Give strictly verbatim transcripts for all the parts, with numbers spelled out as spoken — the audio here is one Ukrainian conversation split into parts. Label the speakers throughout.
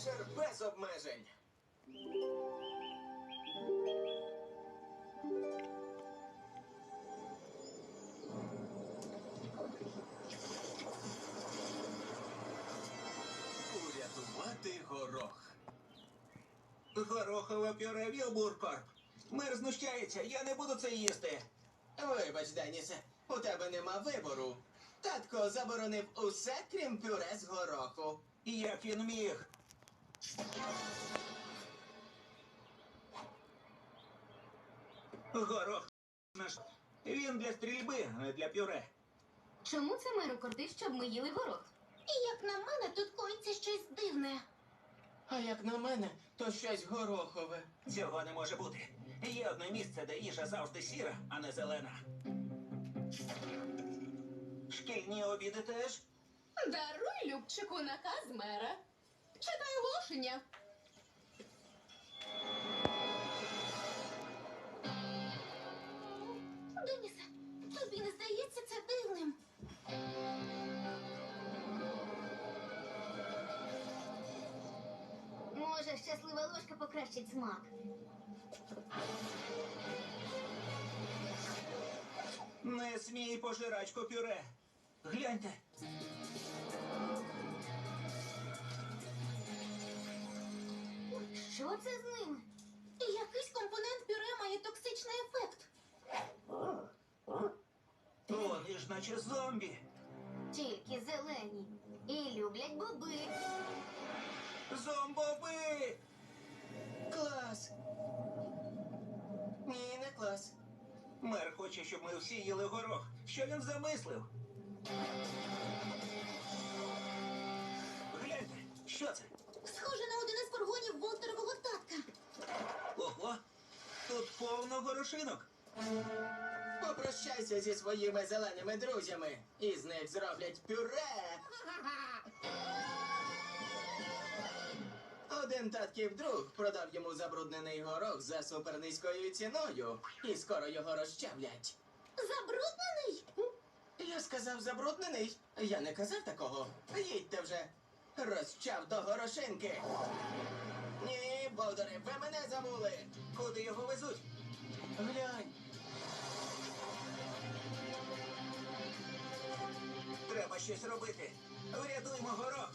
Speaker 1: Вечір без обмежень. Урятувати горох. Горохове пюре Вілбуркорп. Мер знущається, я не буду це їсти. Вибач, Денісе, у тебе нема вибору. Татко заборонив усе, крім пюре з гороху. Як він міг? Горох наш. Він для стрільби, а не для пюре.
Speaker 2: Чому це меру кортить, щоб ми їли горох?
Speaker 3: І як на мене, тут коїться щось дивне.
Speaker 1: А як на мене, то щось горохове. Цього не може бути. Є одне місце, де їжа завжди сіра, а не зелена. Шкільні обіди теж?
Speaker 2: Даруй, Любчику, наказ мера. Читай оголошення.
Speaker 3: Денісе, тобі не здається це дивним? Може, щаслива ложка покращить смак.
Speaker 1: Не смій, пожирачко пюре. Гляньте.
Speaker 3: Що це з ними? І якийсь компонент пюре має токсичний ефект.
Speaker 1: Вони ж наче зомбі.
Speaker 3: Тільки зелені. І люблять боби.
Speaker 1: Зомбоби! Клас! Ні, не клас. Мер хоче, щоб ми всі їли горох. Що він замислив? Гляньте, що це?
Speaker 3: Схоже на один із фургонів Волтерового татка.
Speaker 1: Ого, тут повно горошинок. Попрощайся зі своїми зеленими друзями. Із них зроблять пюре. Один татків друг продав йому забруднений горох за супернизькою ціною. І скоро його розчавлять.
Speaker 3: Забруднений?
Speaker 1: Я сказав забруднений. Я не казав такого. Їдьте вже. Розчав до горошинки. Ні, бовдори, ви мене забули. Куди його везуть? Глянь. Треба щось робити. Врятуймо горох.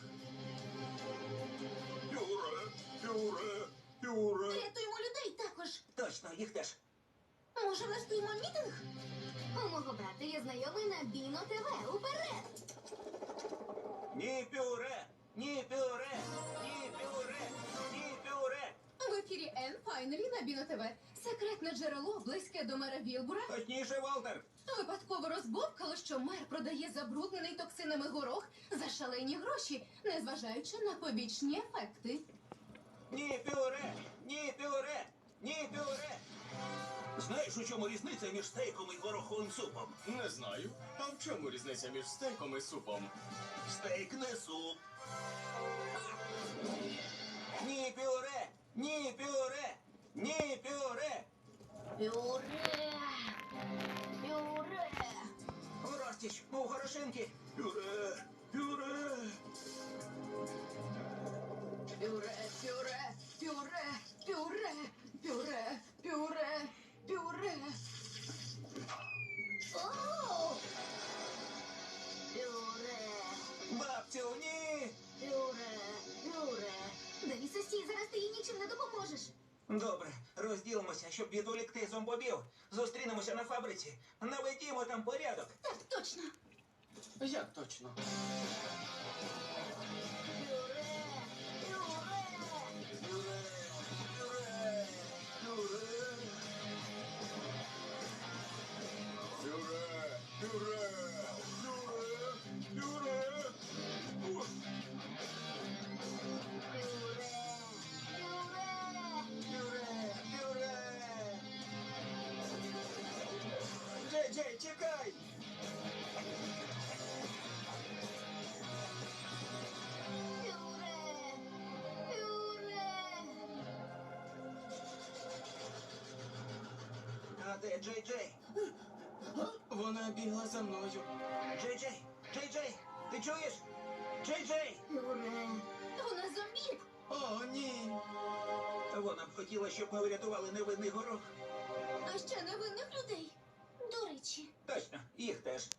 Speaker 1: Пюре, пюре, пюре.
Speaker 3: Рятуємо людей також.
Speaker 1: Точно, їх теж.
Speaker 3: Може, влаштуємо мітинг? У мого брата є знайомий на Біно ТВ. Уперед!
Speaker 1: Ні пюре, ні пюре, ні пюре, ні пюре.
Speaker 2: В ефірі Н Файнелі на Біно ТВ. Секретне джерело, близьке до мера Вілбура,
Speaker 1: Точніше, Волтер.
Speaker 2: випадково розбовкало, що мер продає забруднений токсинами горох за шалені гроші, незважаючи на побічні ефекти.
Speaker 1: Ні пюре, ні пюре, ні пюре. Знаєш, у чому різниця між стейком і гороховим супом?
Speaker 4: Не знаю. А в чому різниця між стейком і супом?
Speaker 1: Стейк не суп. Ні пюре, ні пюре, ні пюре.
Speaker 3: Пюре! Пюре!
Speaker 1: У розтіч, у горошинки. Пюре, пюре.
Speaker 2: Пюре, пюре, пюре, пюре, пюре, пюре, пюре.
Speaker 3: О! Пюре!
Speaker 1: Бабцю, ні.
Speaker 3: Пюре! Пюре! Денісе, стій, зараз ти їй нічим не допоможеш.
Speaker 1: Добре, розділимося, щоб відволікти зомбобів. Зустрінемося на фабриці. Наведімо там порядок.
Speaker 3: Так, точно.
Speaker 4: Як точно?
Speaker 3: Пюре! Пюре!
Speaker 1: Пюре, пюре, пюре.
Speaker 4: Пюре! Пюре! Пюре! Пюре! Ух!
Speaker 3: Пюре! Пюре!
Speaker 1: Пюре, пюре. Джей, Джей, чекай.
Speaker 3: Пюре! Пюре!
Speaker 1: А де Джей, Джей?
Speaker 4: Вона бігла за мною.
Speaker 1: Джей, Джей, Джей, Джей, ти чуєш? Джей, Джей.
Speaker 3: Пюре!
Speaker 2: Вона зомбі.
Speaker 1: О,
Speaker 5: Вона б хотіла, щоб ми врятували невинний горох.
Speaker 2: А ще невинних людей.
Speaker 3: До речі,
Speaker 5: Точно, їх теж.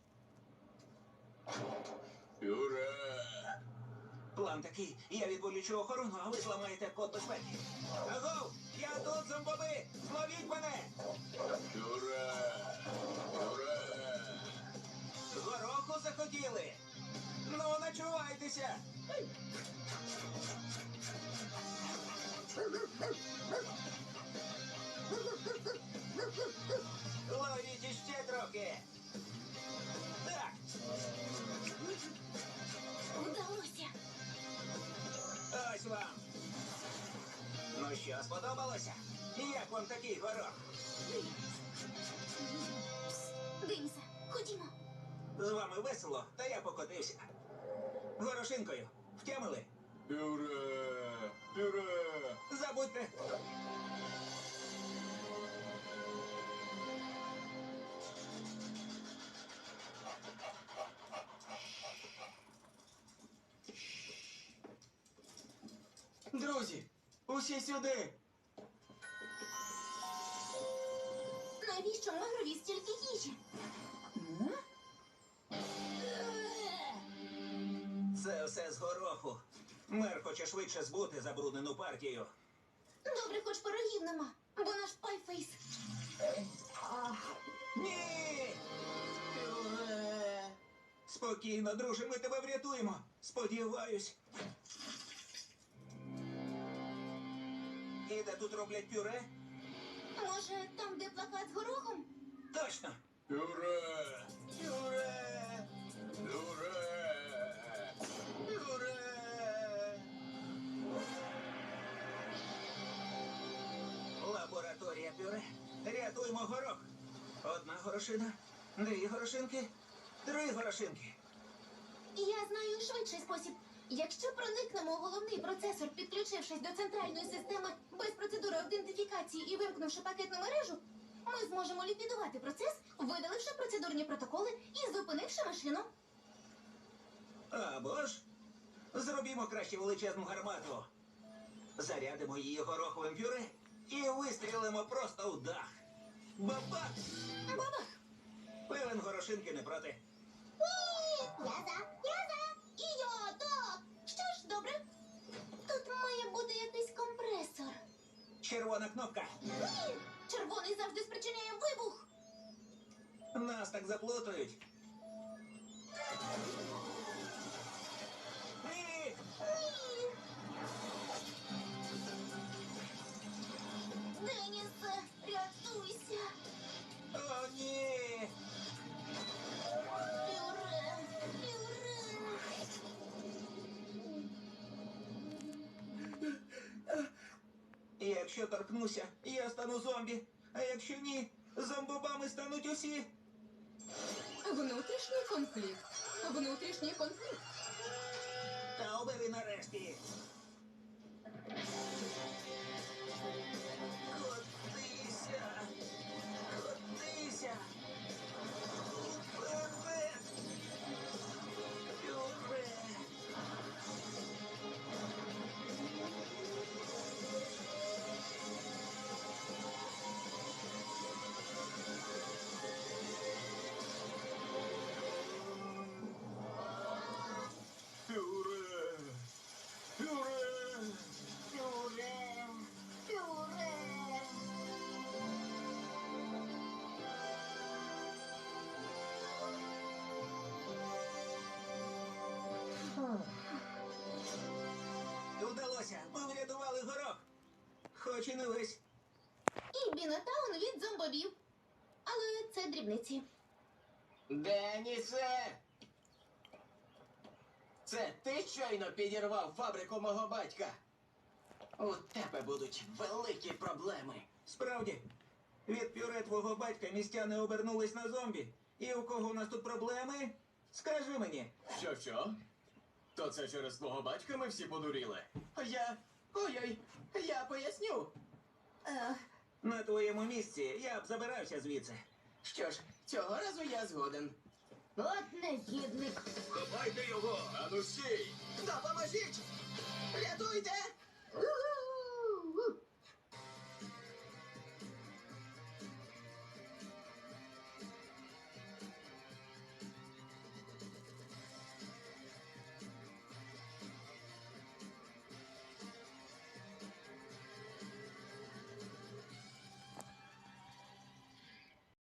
Speaker 4: Пюре!
Speaker 5: План такий. Я відволічу охорону, а ви зламаєте код безпеки. Агов! Я тут, зомбоби! Зловіть мене!
Speaker 4: Пюре! Пюре!
Speaker 5: Гороху захотіли! Ну, начувайтеся! Ловіть іще трохи! Так,
Speaker 3: вдалося.
Speaker 5: ось вам! Ну що, сподобалося? Як вам такий горох?
Speaker 3: Денисе, ходімо.
Speaker 5: З вами весело, та я покотився. Горошинкою. Втямили?
Speaker 4: Пюре! Пюре!
Speaker 5: Забудьте.
Speaker 1: Друзі, усі сюди!
Speaker 3: Навіщо Мегрові стільки їжі?
Speaker 5: Це все з гороху. Мер хоче швидше збути забруднену партію.
Speaker 3: Добре, хоч пирогів нема, бо наш пайфейс.
Speaker 5: Ні!
Speaker 1: Пюре!
Speaker 5: Спокійно, друже, ми тебе врятуємо. Сподіваюсь. І де тут роблять пюре?
Speaker 3: Може, там, де плакат з горохом?
Speaker 5: Точно.
Speaker 4: Пюре!
Speaker 1: Пюре!
Speaker 4: Пюре!
Speaker 1: Пюре!
Speaker 5: Лабораторія пюре. Рятуємо горох. Одна горошина, дві горошинки, три горошинки.
Speaker 3: Я знаю швидший спосіб. Якщо проникнемо у головний процесор, підключившись до центральної системи без процедури аутентифікації і вимкнувши пакетну мережу, ми зможемо ліквідувати процес, видаливши процедурні протоколи і зупинивши машину.
Speaker 5: Або ж зробімо краще величезну гармату. Зарядимо її гороховим пюре і вистрілимо просто в дах. Бабах!
Speaker 3: Бабах!
Speaker 5: Певен горошинки не проти.
Speaker 3: Я за, я за, і я так. Що ж, добре. Тут має бути якийсь компресор.
Speaker 5: Червона кнопка.
Speaker 3: Ні, червоний завжди спричиняє вибух.
Speaker 5: Нас так заплутають. Ні!
Speaker 3: Ні. Денісе, рятуйся.
Speaker 5: О, ні!
Speaker 3: Пюре, пюре.
Speaker 5: Якщо торкнуся, я стану зомбі. А якщо ні, зомбобами стануть усі.
Speaker 2: Внутрішній конфлікт. Внутрішній конфлікт.
Speaker 5: Та обери нарешті. Котися. Котися. Вперед. Пюре.
Speaker 4: Пюре! Пюре!
Speaker 3: Пюре, пюре.
Speaker 5: Вдалося. Ми врятували горох. Хоч і не весь.
Speaker 3: І Бінотаун від зомбобів. Але це дрібниці.
Speaker 1: Денісе! Це ти щойно підірвав фабрику мого батька? У тебе будуть великі проблеми.
Speaker 5: Справді, від пюре твого батька містяни обернулись на зомбі. І у кого у нас тут проблеми? Скажи мені.
Speaker 4: Що, що? То це через твого батька ми всі подуріли?
Speaker 1: Я. Ой-ой, я поясню.
Speaker 3: Ех,
Speaker 5: На твоєму місці я б забирався звідси.
Speaker 1: Що ж, цього разу я згоден.
Speaker 3: от негідник.
Speaker 4: Ховайте його! Ану стій!
Speaker 1: Допоможіть! Рятуйте!